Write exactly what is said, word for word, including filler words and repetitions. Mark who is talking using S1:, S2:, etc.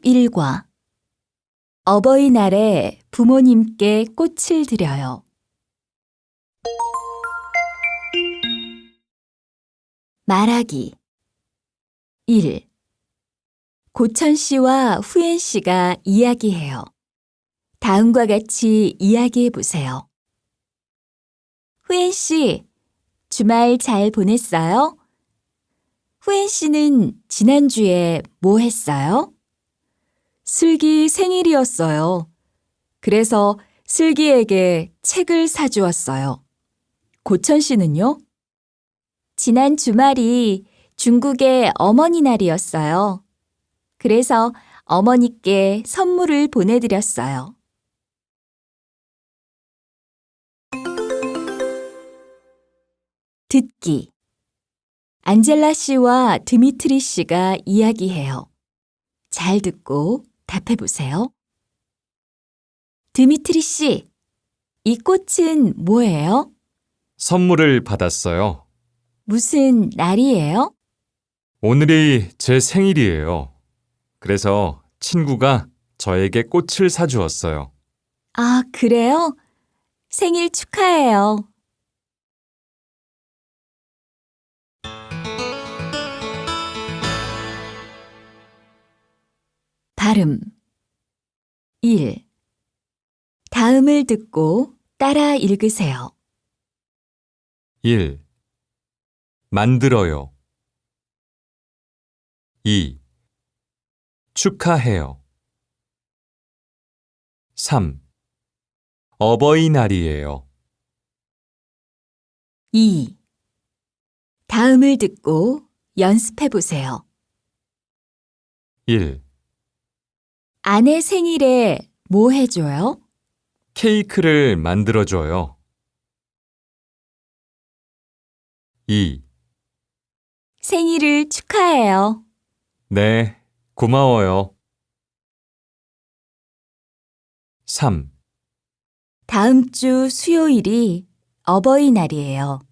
S1: 일과 어버이날에 부모님께 꽃을 드려요. 말하기 일. 고천 씨와 후엔 씨가 이야기해요. 다음과 같이 이야기해 보세요. 후엔 씨, 주말 잘 보냈어요? 후엔 씨는 지난주에 뭐 했어요? 슬기 생일이었어요. 그래서 슬기에게 책을 사주었어요. 고천 씨는요? 지난 주말이 중국의 어머니 날이었어요. 그래서 어머니께 선물을 보내드렸어요. 듣기 안젤라 씨와 드미트리 씨가 이야기해요. 잘 듣고 답해 보세요. 드미트리 씨, 이 꽃은 뭐예요?
S2: 선물을 받았어요.
S1: 무슨 날이에요?
S2: 오늘이 제 생일이에요. 그래서 친구가 저에게 꽃을 사주었어요.
S1: 아, 그래요? 생일 축하해요. 발음 일. 다음을 듣고 따라 읽으세요.
S2: 일. 만들어요. 이. 축하해요. 삼. 어버이날이에요.
S1: 이. 다음을 듣고 연습해 보세요.
S2: 일.
S1: 아내 생일에 뭐 해줘요?
S2: 케이크를 만들어줘요. 이.
S1: 생일을 축하해요.
S2: 네, 고마워요. 삼.
S1: 다음 주 수요일이 어버이날이에요.